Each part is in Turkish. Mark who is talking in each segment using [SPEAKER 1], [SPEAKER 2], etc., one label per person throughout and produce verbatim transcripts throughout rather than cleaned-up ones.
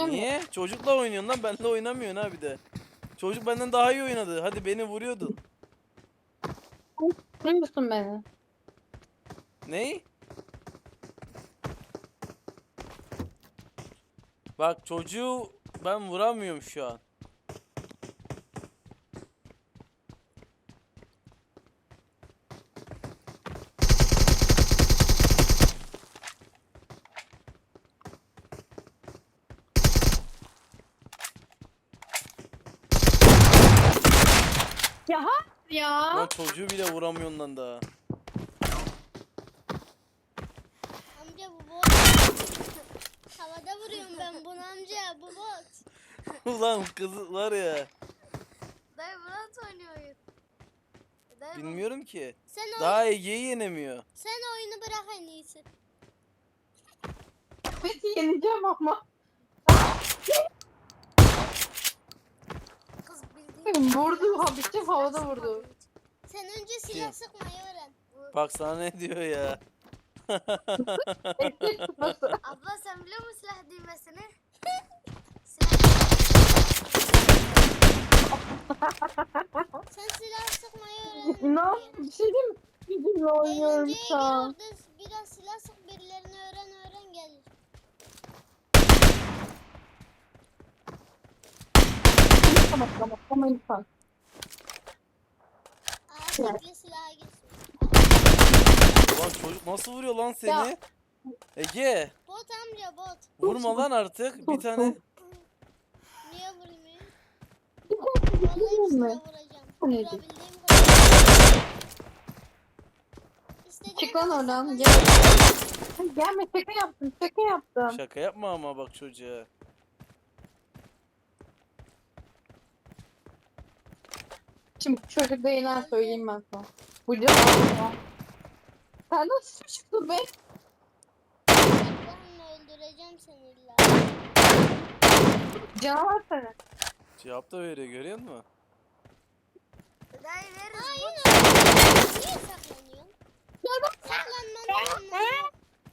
[SPEAKER 1] oynayalım mı?
[SPEAKER 2] Niye? Çocukla oynuyorsun lan, benimle oynamıyorsun ha bir de. Çocuk benden daha iyi oynadı. Hadi beni vuruyordun.
[SPEAKER 1] Vuruyorsun beni.
[SPEAKER 2] Ney? Bak çocuğu ben vuramıyorum şu an.
[SPEAKER 1] Ya hayır ya.
[SPEAKER 2] Lan çocuğu bile vuramıyorsun lan daha.
[SPEAKER 3] Amca bu bot. Havada vuruyorum ben bunu amca, bu bot.
[SPEAKER 2] Ulan kız var ya.
[SPEAKER 4] Dayı Murat oynuyor oyun. Dayı bu-
[SPEAKER 2] Bilmiyorum ki.
[SPEAKER 3] Sen, oy-
[SPEAKER 2] Daha Ege'yi yenemiyor.
[SPEAKER 3] sen oyunu bırak en iyisi.
[SPEAKER 1] Beni yeneceğim ama.
[SPEAKER 4] Kız bildiğin.
[SPEAKER 1] Vurdu ha bitti havada vurdu.
[SPEAKER 3] Sen önce silah
[SPEAKER 2] Kim?
[SPEAKER 3] sıkmayı öğren.
[SPEAKER 2] Bak sana ne diyor ya.
[SPEAKER 1] Eski tutması.
[SPEAKER 4] Abla sen biliyor musun silah düğmesini?
[SPEAKER 3] Sen silah sıkmayı öğren.
[SPEAKER 1] İnan bir şey değil mi? Bizimle oynuyorum
[SPEAKER 3] Eğlenceye
[SPEAKER 1] şu
[SPEAKER 3] gir
[SPEAKER 1] an.
[SPEAKER 3] orada biraz silah sık, birilerini öğren öğren gelir.
[SPEAKER 1] Tamam tamam tamam lütfen.
[SPEAKER 3] Aa tekli silaha gitsin.
[SPEAKER 2] Ulan çocuk nasıl vuruyor lan seni?
[SPEAKER 1] Ya.
[SPEAKER 2] Ege.
[SPEAKER 3] Bot amca bot.
[SPEAKER 2] Vurma lan artık. Bir tane.
[SPEAKER 3] Niye vurayım?
[SPEAKER 1] Değil
[SPEAKER 3] Vallahi hepsine
[SPEAKER 1] mi?
[SPEAKER 3] vuracağım.
[SPEAKER 1] Neydi?
[SPEAKER 3] Vurabildiğim kadar. İstediğin
[SPEAKER 1] Çık lan
[SPEAKER 3] kadar
[SPEAKER 1] oradan
[SPEAKER 3] saklan.
[SPEAKER 1] gel. Gelme şaka yaptım şaka yaptım.
[SPEAKER 2] Şaka yapma ama bak çocuğa.
[SPEAKER 1] Şimdi çocuk da inan söyleyeyim ben sana. Bu cevabı. Sen nasıl çıktın be?
[SPEAKER 3] Allah'ımla öldüreceğim seni illa.
[SPEAKER 1] Canavar seni.
[SPEAKER 2] Cevap da veriyor, görüyor musun?
[SPEAKER 4] Dayı veririz.
[SPEAKER 3] Hayır. Niye saklanıyorsun? Saklanman lazım.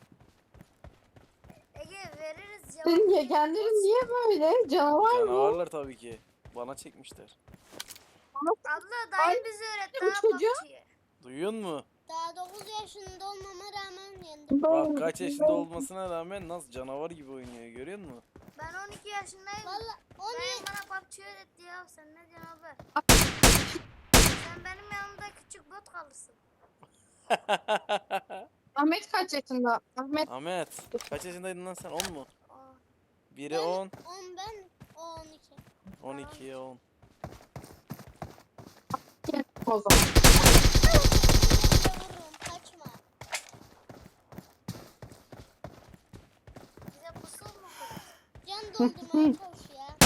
[SPEAKER 4] Ege veririz cevap.
[SPEAKER 1] Senin yegenlerin niye böyle? Canavar mı?
[SPEAKER 2] Canavarlar tabii ki. Bana çekmişler.
[SPEAKER 4] Abla dayı bizi öğretti
[SPEAKER 1] bu
[SPEAKER 4] ha
[SPEAKER 1] çocuğa-
[SPEAKER 4] P U B G'yi.
[SPEAKER 2] Duyuyor musun?
[SPEAKER 3] Daha dokuz yaşında olmama rağmen yendim.
[SPEAKER 2] Bak kaç yaşında olmasına rağmen nasıl canavar gibi oynuyor, görüyor musun?
[SPEAKER 4] Ben on iki yaşındayım.
[SPEAKER 3] Valla on
[SPEAKER 4] Dayım
[SPEAKER 3] yedi.
[SPEAKER 4] bana P U B G öğretti ya. Sen ne diyorsun abi? Sen benim yanımda küçük bot kalırsın.
[SPEAKER 1] Ahmet kaç yaşında? Ahmet
[SPEAKER 2] Ahmet kaç yaşındaydın lan sen, on mu?
[SPEAKER 4] Aa,
[SPEAKER 2] Biri on,
[SPEAKER 3] on ben, o on iki.
[SPEAKER 2] on ikiye on.
[SPEAKER 1] kim o zaman?
[SPEAKER 3] Vururum, kaçma.
[SPEAKER 4] bize pusul mu kurdu?
[SPEAKER 3] Can doldurmaya çalış ya.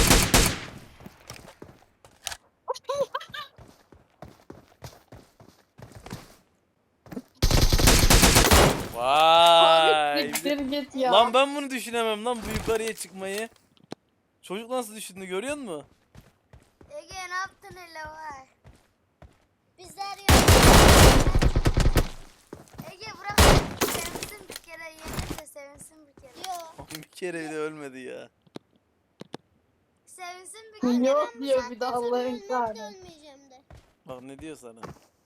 [SPEAKER 2] Vay.
[SPEAKER 1] Siktir git ya.
[SPEAKER 2] Lan ben bunu düşünemem lan, bu yukarıya çıkmayı. Çocuk nasıl düşündü, görüyor musun?
[SPEAKER 4] Ege ne yaptın hele vay?
[SPEAKER 3] Bizler yok.
[SPEAKER 4] Ege bırak sevinsin bir kere yenirse sevinsin bir kere.
[SPEAKER 3] Yok.
[SPEAKER 2] Bir kere bile ölmedi ya.
[SPEAKER 4] Sevinsin bir kere.
[SPEAKER 1] Yok
[SPEAKER 3] Ben bu
[SPEAKER 1] diyor
[SPEAKER 3] saatten
[SPEAKER 1] bir de
[SPEAKER 3] sonra
[SPEAKER 1] Allah'ın
[SPEAKER 3] ölmem de
[SPEAKER 1] kahretsin.
[SPEAKER 3] ölmeyeceğim de.
[SPEAKER 2] Bak ne diyor sana.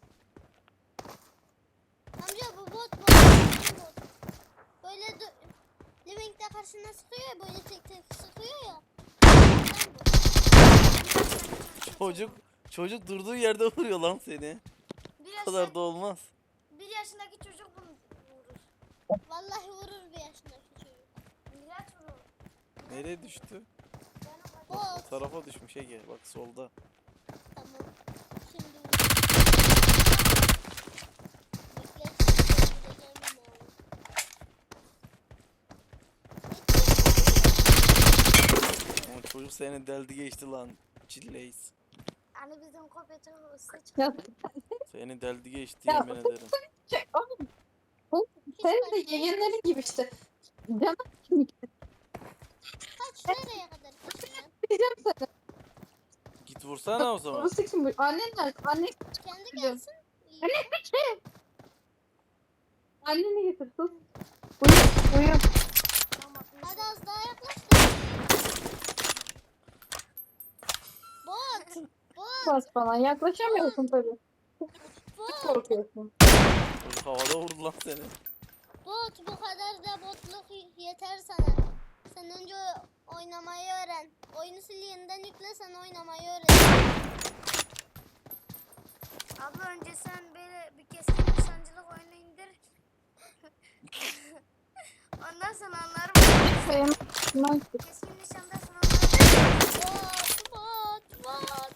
[SPEAKER 3] Amca bu bot bot. bu bot. Böyle dö- Living'de karşına sıkıyor ya, böyle tek tek sıkıyor ya. Ondan bu.
[SPEAKER 2] Çocuk çocuk durduğu yerde vuruyor lan seni.
[SPEAKER 4] Bir,
[SPEAKER 2] Bu kadar
[SPEAKER 4] yaşında,
[SPEAKER 2] da olmaz.
[SPEAKER 4] bir yaşındaki çocuk bunu vurur.
[SPEAKER 3] Vallahi vurur bir yaşındaki çocuk.
[SPEAKER 4] Miraç vurur.
[SPEAKER 2] Nereye düştü?
[SPEAKER 4] Benim bacım.
[SPEAKER 2] O
[SPEAKER 3] Bot.
[SPEAKER 2] tarafa düşmüş Ege. Bak solda.
[SPEAKER 3] Tamam. Şimdi vur. Bekle, şimdi vuracağım bunu.
[SPEAKER 2] Ama çocuk seni deldi geçti lan. Çilleyiz.
[SPEAKER 4] Hani bizim kopyacı hızlı
[SPEAKER 1] Ya,
[SPEAKER 2] Seni deldi geçti,
[SPEAKER 1] Ya,
[SPEAKER 2] yemin ederim.
[SPEAKER 1] şey, oğlum, oğlum, senin de yegenlerin gibi işte. Canım
[SPEAKER 3] Kaç nereye kadar kaçacaksın?
[SPEAKER 1] diyeceğim sana.
[SPEAKER 2] Git vursana o zaman.
[SPEAKER 1] Burası kim bu? Annen nerede? Annen
[SPEAKER 3] Kendi gelsin. İyi.
[SPEAKER 1] Anne kaçın. Anneni getir sus. Uyu uyu.
[SPEAKER 4] Tamam.
[SPEAKER 3] Hadi az daha yaklaş da.
[SPEAKER 1] yaklaş bana. Yaklaşamıyorsun tabii.
[SPEAKER 3] Bot.
[SPEAKER 1] Korkuyorsun.
[SPEAKER 2] Çocuk havada vurdu lan seni.
[SPEAKER 3] Bot bu kadar da botluk yeter sana. Sen önce oynamayı öğren. Oyunu sil yeniden yükle, sen oynamayı öğren.
[SPEAKER 4] Abla önce sen böyle bir keskin nişancılık oyunu indir. Ondan sonra anlarım.
[SPEAKER 1] Benim
[SPEAKER 4] Keskin nişandasın onları.
[SPEAKER 3] Bot, bot, bot.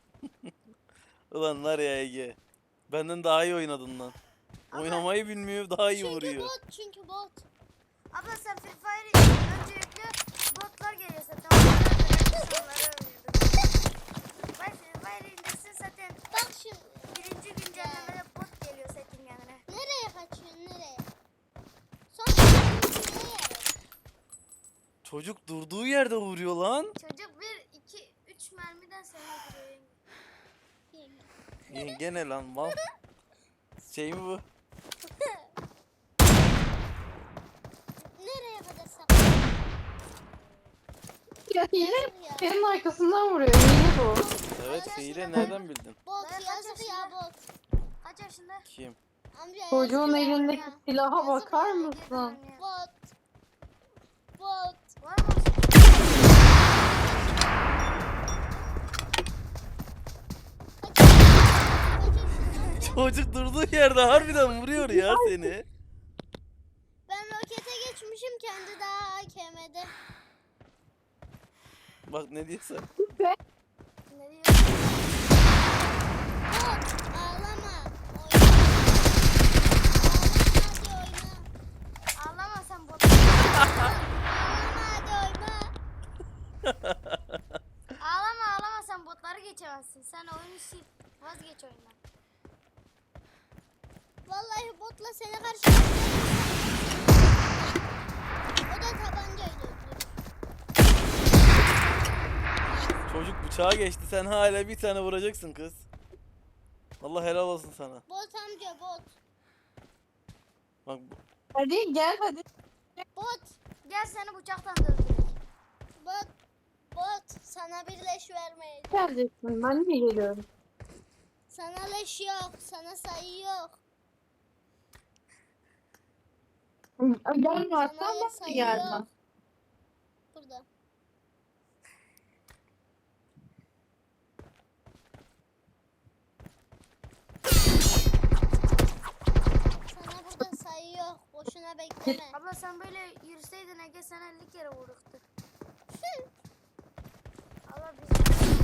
[SPEAKER 2] Ulan var ya Ege. Benden daha iyi oynadın lan. Oynamayı bilmiyor, daha iyi
[SPEAKER 3] Çünkü
[SPEAKER 2] vuruyor.
[SPEAKER 3] bot, çünkü bot.
[SPEAKER 4] Abla sen Free Fire'ı önce yükle. Botlar geliyor zaten. Onları öldürüyorsun, onları öldürüyorsun. Bak Free Fire indirsin zaten.
[SPEAKER 3] Bak şimdi.
[SPEAKER 4] Birinci güncellemede bot geliyor setin yanına.
[SPEAKER 3] Nereye kaçıyorsun, nereye? Son nereye?
[SPEAKER 2] Çocuk durduğu yerde vuruyor lan.
[SPEAKER 4] Çocuk bir, iki, üç mermiden seni öldürüyor.
[SPEAKER 2] Ye- Gene lan mal. Şey mi bu?
[SPEAKER 3] Nereye kadar sakladın?
[SPEAKER 1] ya hile
[SPEAKER 3] Ya.
[SPEAKER 1] senin arkasından vuruyor. Hile bu.
[SPEAKER 2] Evet hile nereden bildin?
[SPEAKER 3] Bot
[SPEAKER 4] Ben kaç
[SPEAKER 3] yazık ya
[SPEAKER 4] yaşında?
[SPEAKER 3] bot.
[SPEAKER 4] Kaç yaşında?
[SPEAKER 2] Kim?
[SPEAKER 3] Amca
[SPEAKER 1] Çocuğun
[SPEAKER 3] yazık ya.
[SPEAKER 1] elindeki silaha
[SPEAKER 3] Yazık
[SPEAKER 1] bakar
[SPEAKER 3] ya,
[SPEAKER 1] mısın?
[SPEAKER 3] Bot. Bot.
[SPEAKER 4] Var mı?
[SPEAKER 3] Kaç yaşında?
[SPEAKER 2] Çocuk durduğu yerde harbiden vuruyor ya seni.
[SPEAKER 3] Ben rokete geçmişim, kendi daha A K M'de.
[SPEAKER 2] Bak ne diyorsa.
[SPEAKER 1] Ve
[SPEAKER 4] Ne diyor?
[SPEAKER 3] Bot. Ağlama. Oyna. Ağlama, hadi oyna.
[SPEAKER 4] Ağlama sen bot.
[SPEAKER 3] Ağlama, hadi oyna.
[SPEAKER 4] Ağlama ağlama sen botları geçemezsin. Sen oyunu sil. Vazgeç oyundan.
[SPEAKER 3] Vallahi botla seni karşılaştırdım. O da tabancayla öldürdü.
[SPEAKER 2] Çocuk bıçağa geçti, sen hala bir tane vuracaksın kız. Allah helal olsun sana.
[SPEAKER 3] Bot amca, bot.
[SPEAKER 2] Bak bu-
[SPEAKER 1] hadi gel hadi.
[SPEAKER 3] Bot.
[SPEAKER 4] Gel seni bıçaktan da öldüreyim.
[SPEAKER 3] Bot. Bot. Sana bir leş vermeyeceğim.
[SPEAKER 1] Geleceksin. Ben de geliyorum.
[SPEAKER 3] Sana leş yok. Sana sayı yok.
[SPEAKER 1] Gelme
[SPEAKER 3] Sana
[SPEAKER 1] hatta ben de
[SPEAKER 3] sayı
[SPEAKER 1] gelmem.
[SPEAKER 3] yok. Burada. Sana burada sayı yok. Boşuna bekleme.
[SPEAKER 4] Abla sen böyle yürüseydin Ege sana elli kere vururdu. Allah bizi.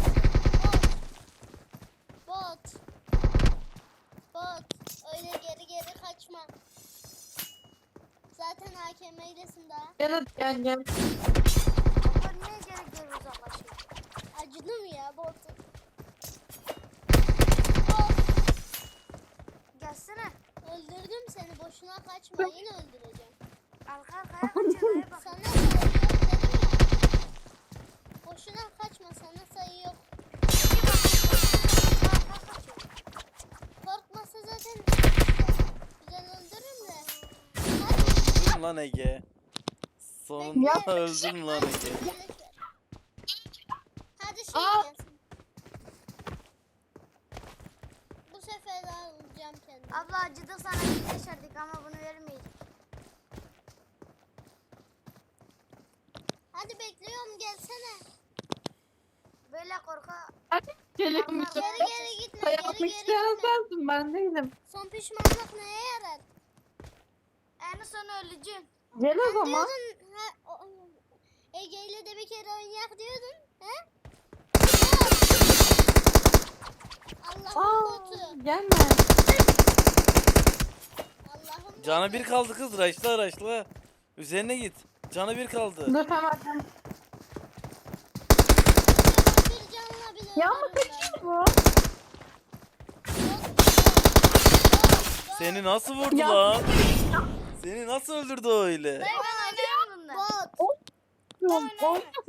[SPEAKER 3] Bot. Bot. Öyle geri geri kaçma. Zaten A K M'ylesin daha.
[SPEAKER 1] Gel hadi gel gel.
[SPEAKER 4] Abla niye geri geri uzaklaşıyor?
[SPEAKER 3] Acıdım ya bot.
[SPEAKER 4] Gelsene.
[SPEAKER 3] Öldürdüm seni. Boşuna kaçma. Yine öldüreceğim.
[SPEAKER 4] Arka arkaya kaçıyor dayı bak.
[SPEAKER 3] Sana sayı yok dedim ya. Boşuna kaçma. Sana sayı yok.
[SPEAKER 4] Arka arkaya kaçıyor.
[SPEAKER 3] Korkmasa zaten güzel öldürürüm de.
[SPEAKER 2] öldün lan Ege. Sonunda
[SPEAKER 1] Ya.
[SPEAKER 2] öldün lan Ege.
[SPEAKER 3] Hadi şey
[SPEAKER 1] Aa.
[SPEAKER 3] gelsin. Bu sefer alacağım kendimi.
[SPEAKER 4] Abla acıdık sana bir yaşardık ama bunu vermeyiz.
[SPEAKER 3] Hadi bekliyorum, gelsene.
[SPEAKER 4] Böyle korka.
[SPEAKER 1] Hadi geliyorum.
[SPEAKER 4] Abla,
[SPEAKER 3] Geri geri gitme. Geri
[SPEAKER 1] Yapmak
[SPEAKER 3] geri
[SPEAKER 1] isteyen
[SPEAKER 3] gitme.
[SPEAKER 1] sensin, ben değilim.
[SPEAKER 3] Son pişmanlık neye yarar?
[SPEAKER 4] En son öleceğim.
[SPEAKER 1] Gel o zaman.
[SPEAKER 3] Diyordun, ha, o- Ege ile de bir kere oynayak diyordun. He? Allah'ın
[SPEAKER 1] Aa,
[SPEAKER 3] botu.
[SPEAKER 1] gelme.
[SPEAKER 3] Allah'ın
[SPEAKER 2] Canı
[SPEAKER 3] botu.
[SPEAKER 2] bir kaldı kız, raşla raşla. Üzerine git. Canı bir kaldı.
[SPEAKER 1] Dur hemen.
[SPEAKER 3] Bir canla bile
[SPEAKER 1] Ya ama
[SPEAKER 3] öldürürüm ben.
[SPEAKER 1] kaçıyor bu.
[SPEAKER 3] Bot, bot, bot, bot.
[SPEAKER 2] Seni nasıl vurdu
[SPEAKER 1] Ya.
[SPEAKER 2] lan? Seni nasıl öldürdü öyle?
[SPEAKER 4] Dayı ben oynayamam bundan.
[SPEAKER 3] Bot.
[SPEAKER 1] Oyna